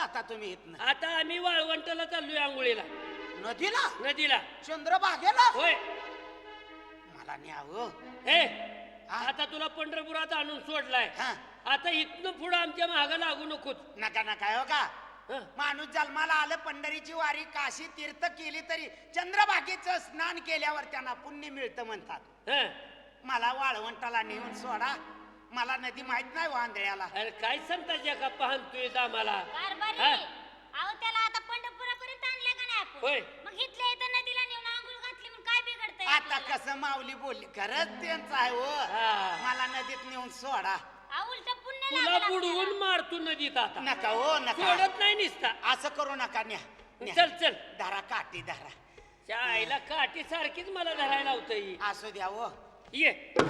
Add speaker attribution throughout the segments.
Speaker 1: जाता तुम्ही इथनं?
Speaker 2: आता आम्ही वाळवंटाला चाललोय आंघोळीला.
Speaker 1: नदीला?
Speaker 2: नदीला.
Speaker 1: चंद्रभागेला?
Speaker 2: होय.
Speaker 1: मला न्यावं.
Speaker 2: हे आता तुला पंढरपुरात आणून सोडलाय. आता इथनं पुढं आमच्या मागं लागू नकोच.
Speaker 1: नका नका हो का. माणूस जन्माला आलं, पंढरीची वारी काशी तीर्थ केली तरी चंद्रभागेचं स्नान केल्यावर त्यांना पुण्य मिळतं म्हणतात. मला वाळवंटाला नेऊन सोडा. मला नदी माहित नाही वांदळ्याला.
Speaker 2: अरे काय सांगता का पाहतोय आम्हाला.
Speaker 3: अहो त्याला आता पंढरपुरापर्यंत आणलं का नाही आपण?
Speaker 2: होय.
Speaker 3: मग इथल्या इथं नदीला नेऊन आंघोळ घातली म्हणून काय बिघडतंय?
Speaker 1: आता कसं माऊली बोलली, खरंच त्यांचं आहे हो. मला नदीत नेऊन सोडा.
Speaker 3: उलट पुण्य
Speaker 2: तुला
Speaker 3: लागलं
Speaker 2: बुडवून
Speaker 3: आपल्याला.
Speaker 2: मारतो नदीत आता.
Speaker 1: नका हो नका.
Speaker 2: सोडत नाही निसता.
Speaker 1: असं करू नका. न्या
Speaker 2: चल चल.
Speaker 1: धरा काठी धरा.
Speaker 2: त्या आईला काठी सारखीच मला धरायला होतं.
Speaker 1: असू द्या हो.
Speaker 2: ये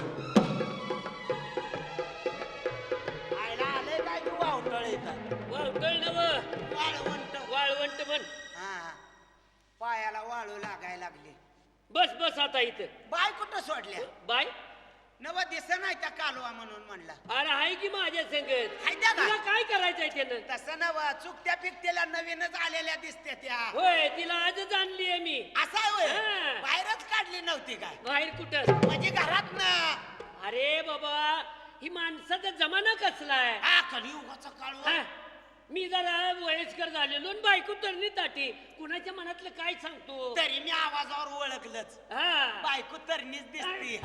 Speaker 1: आयला आलंय काय तू वावटळ येतात.
Speaker 2: वाळवंट नव
Speaker 1: वाळवंट.
Speaker 2: वाळवंट म्हण.
Speaker 1: हा पायाला वाळू लागायला लागली.
Speaker 2: बस बस आता इथं.
Speaker 1: बाय कुठं सोडल्या?
Speaker 2: बाय
Speaker 1: नव दिस नाही त्या कालवा म्हणून म्हणला.
Speaker 2: अरे आहे की माझ्या संगत.
Speaker 1: हाय त्या का?
Speaker 2: तुला काय करायचंय त्यानं?
Speaker 1: तसं नव चुकत्या पिकतेल्या नवीनच आलेल्या दिसते त्या.
Speaker 2: होय तिला आजच आणलीये मी.
Speaker 1: असं आहे होय?
Speaker 2: हा.
Speaker 1: बाहेरच काढली नव्हती काय?
Speaker 2: बाहेर कुठं?
Speaker 1: म्हणजे घरात ना.
Speaker 2: अरे बाबा ही माणसाचा जमाना कसलाय.
Speaker 1: हा कलियुगाचा काळ.
Speaker 2: हा? मी जरा वयस्कर झालेलो आणि बायको तरणी ताटी. कुणाच्या मनातलं काय सांगतो.
Speaker 1: तरी मी आवाजावर ओळखलंच.
Speaker 2: हा
Speaker 1: बायको तरणीच दिसती.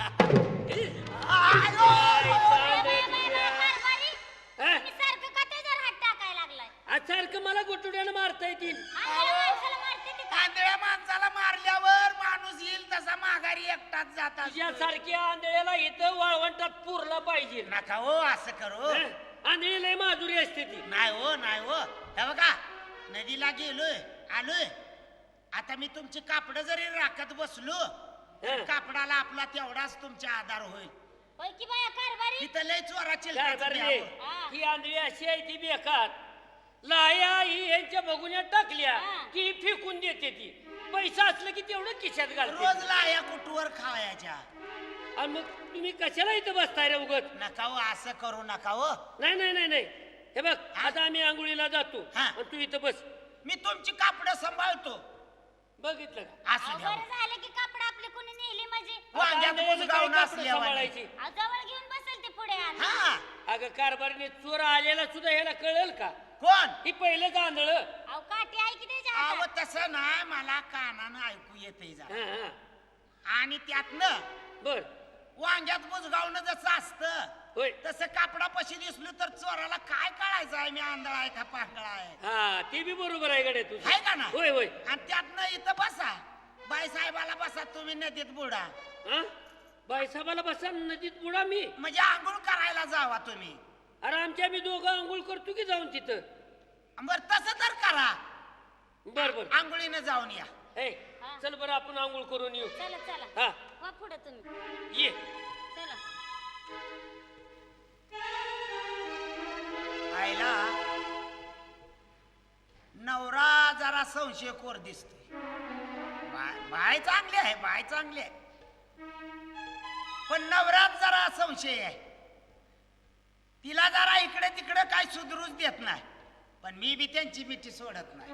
Speaker 3: कारभारी, तुम्ही सारखं का त्याच्यावर हात टाकायला लागलाय?
Speaker 2: सारखं मला गोटुड्यानं मारता येतील.
Speaker 3: आंधळ्या माणसाला मारते ते का?
Speaker 1: आंधळ्या माणसाला मारल्यावर माणूस येईल तसा माघारी एकटाच जातात.
Speaker 2: तुझ्यासारख्या आंधळ्याला इथं वाळवंटात पुरला पाहिजे.
Speaker 1: नका हो असं करू.
Speaker 2: आंधळी लय माधुरी असते ती.
Speaker 1: नाही हो नाही हो. हे बघा नदीला गेलोय आलोय. आता मी तुमची कापड जरी राखत बसलो कापडाला आपला तेवढाच तुमचा आधार होईल.
Speaker 3: होय की बाया कारभारी?
Speaker 1: तिथं लय चोराची
Speaker 2: ही आंधळी अशी आहे ती बेकार. लाया ही यांच्या बघुन्यात टाकल्या की ही फेकून देते ती. पैसा असलं की तेवढं खिशात घालते.
Speaker 1: रोज लाया कुठवर खावायच्या.
Speaker 2: आणि मग तुम्ही कशाला इथं बसताय रे उगत?
Speaker 1: नका हो असं करू नका हो.
Speaker 2: नाही नाही नाही नाही. हे बघ आता आम्ही आंघोळीला जातो
Speaker 1: हा.
Speaker 2: आणि तू इथं बस.
Speaker 1: मी तुमची कापड सांभाळतो.
Speaker 2: बघितलं का?
Speaker 1: असू द्या.
Speaker 3: बरं झालं की कापड आपले कोणी नेली म्हणजे.
Speaker 1: वांग्यात
Speaker 2: आंधळ्यानं
Speaker 1: बुजगावून
Speaker 2: काय कापडं
Speaker 1: असल्यावानी.
Speaker 2: सांभाळायची?
Speaker 3: जवळ घेऊन बसेल ते पुढे आण.
Speaker 1: हा
Speaker 2: अगं कारभारीने चोर आलेला सुद्धा ह्याला कळेल का?
Speaker 1: कोण?
Speaker 2: ही पहिलंच आंधळ.
Speaker 3: अहो काठी आहे की त्याच्या
Speaker 1: अहो
Speaker 3: हातात?
Speaker 1: तसं नाही मला कानानं ऐकू येते जा.
Speaker 2: हा
Speaker 1: आणि त्यातनं
Speaker 2: बर
Speaker 1: वांग्यात बुजगावणं जसं असतं
Speaker 2: होय.
Speaker 1: तसं कापडापाशी दिसलो तर चोराला काय कळायचं आहे मी आंधळा आहे का पांगळा आहे.
Speaker 2: हा ते बी बरोबर आहे गड्या तुझं.
Speaker 1: आहे का ना?
Speaker 2: होय होय.
Speaker 1: आणि त्यातनं इथं बसा. बाई साहेबाला बसा तुम्ही नदीत बुडा.
Speaker 2: हा बाईसाहेबाला बसा नदीत बुडा मी.
Speaker 1: म्हणजे आंघोळ करायला जावा तुम्ही.
Speaker 2: अरे आमच्या मी दोघं आंघोळ करतो की जाऊन तिथं.
Speaker 1: बर तसं तर करा.
Speaker 2: बर बर.
Speaker 1: आंघोळीनं जाऊन या.
Speaker 2: ए चल बरं आपण आंघोळ करून येऊ.
Speaker 3: चला चला.
Speaker 2: हा
Speaker 3: वा पुढे तुम्ही.
Speaker 2: ये.
Speaker 3: चला.
Speaker 1: आईला नवरा जरा संशयखोर दिसतोय. बाय चांगली आहे बाय चांगली आहे पण नवऱ्यात जरा संशय आहे. तिला जरा इकडे तिकडे काय सुधरूच देत नाही. पण मी बी त्यांची मिठी सोडत नाही.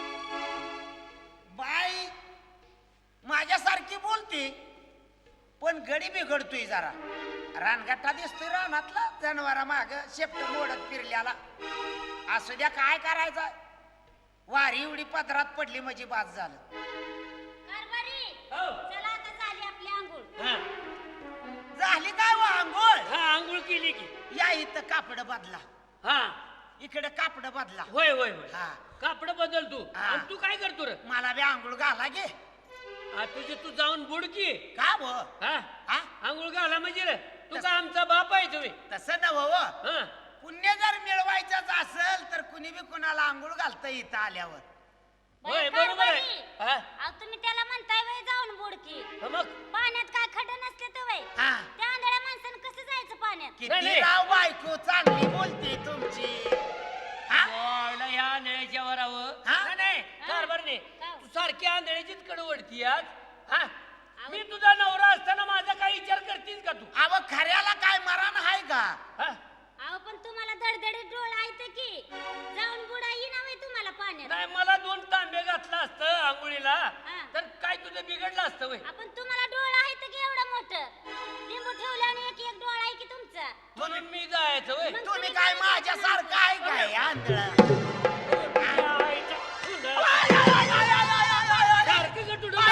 Speaker 1: बाई माझ्यासारखी बोलते पण गडी बिघडतोय जरा. रानगट्टा दिसतोय रानातला जनावरा माग शेपट मोडत फिरल्याला. असू द्या काय करायचं. वारी एवढी पदरात पडली म्हणजे बाद झालं.
Speaker 3: कारभारी,
Speaker 2: हो.
Speaker 3: चला आता झाली आपली आंघोळ.
Speaker 2: हा
Speaker 1: झाली काय व आंघोळ?
Speaker 2: हा आंघोळ केली की.
Speaker 1: या इथं कापड बदला.
Speaker 2: हा
Speaker 1: इकडे कापड बदला.
Speaker 2: होय होय होय.
Speaker 1: हा
Speaker 2: कापड बदल तू.
Speaker 1: हा.
Speaker 2: आणि तू काय करतो रे?
Speaker 1: मला बी आंघोळ घाला गे.
Speaker 2: तुझे तू जाऊन बुड की.
Speaker 1: का व?
Speaker 2: हा
Speaker 1: हा
Speaker 2: आंघोळ घाला म्हणजे रे तू का आमचा बाप आहे तुम्ही?
Speaker 1: तसं नव्ह.
Speaker 2: हा
Speaker 1: पुण्य जर मिळवायचंच असेल तर कुणी बी कुणाला आंघोळ घालता इथं आल्यावर.
Speaker 2: होय
Speaker 3: बाई
Speaker 2: बरोबर आहे.
Speaker 3: कारभारी,
Speaker 2: हा
Speaker 3: अहो तुम्ही त्याला म्हणताय वय जाऊन बुडकी.
Speaker 2: मग
Speaker 3: पाण्यात काय खड्डे नसले तर वय.
Speaker 1: हा
Speaker 3: त्या आंधळ्या माणसानं कसं जायचं पाण्यात?
Speaker 1: किती
Speaker 2: नाही.
Speaker 1: राव बायको चांगली बोलते तुमची. हा
Speaker 2: बोयला ह्या आंधळ्याच्या वरावर.
Speaker 1: हा?
Speaker 2: नाही, नाही
Speaker 3: हा.
Speaker 2: कारभारने
Speaker 3: का?
Speaker 2: तू सारखी आंधळ्याचीच कडवडती आज. हा मी तुझा नवरा असताना माझा काय विचार करतीस का तू?
Speaker 1: अव खऱ्याला काय मरण आहे का?
Speaker 2: हा
Speaker 3: अहो पण तुम्हाला धडधडीत डोळ आहेत की जाऊन बुडा येईना वय
Speaker 2: आंघोळीला तर काय तुझं बिघडलं असतं वय
Speaker 3: आपण तुम्हाला डोळा आहे तर की एवढं मोठं लिंबू ठेवलं आणि एक एक डोळा आहे की तुमचा
Speaker 2: म्हणून मी जायचं वय
Speaker 3: मग
Speaker 1: तुम्ही काय माझ्यासारखं आहे काय आंधळ
Speaker 2: सारखं का तुझं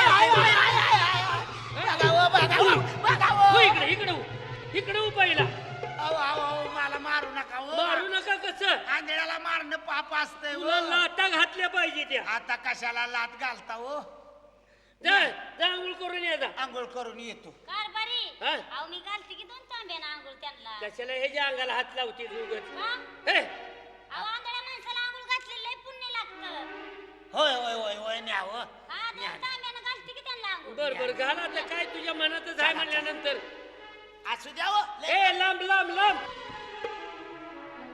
Speaker 1: बघावं
Speaker 2: इकडे इकडे इकडे पहिला
Speaker 1: मला मारू नका हो.
Speaker 2: मारू नका कसं
Speaker 1: आंधळ्याला मारणं पाप असतंय हो.
Speaker 2: तुला लाटा घातल्या पाहिजे त्या
Speaker 1: आता कशाला लात घालता हो
Speaker 2: जा जा आंघोळ करून ये जा
Speaker 1: आंघोळ करून येतो
Speaker 3: कारभारी
Speaker 2: हा?
Speaker 3: अहो मी घालते की 2 तांब्यानं आंघोळ त्यांना
Speaker 2: कशाला ह्याच्या अंगाला हात लावते उगत
Speaker 3: हा?
Speaker 2: हे
Speaker 3: अहो आंधळ्या माणसाला आंघोळ घातलेलं लय पुण्य लागतं
Speaker 1: होय होय होय होय न्यावं
Speaker 3: हा 2 तांब्यानं घालते की त्यांना आंघोळ
Speaker 2: बर बर घाला तर काय तुझ्या मनातच आहे म्हणल्यानंतर
Speaker 1: असू द्यावं
Speaker 2: ए लांब लांब लांब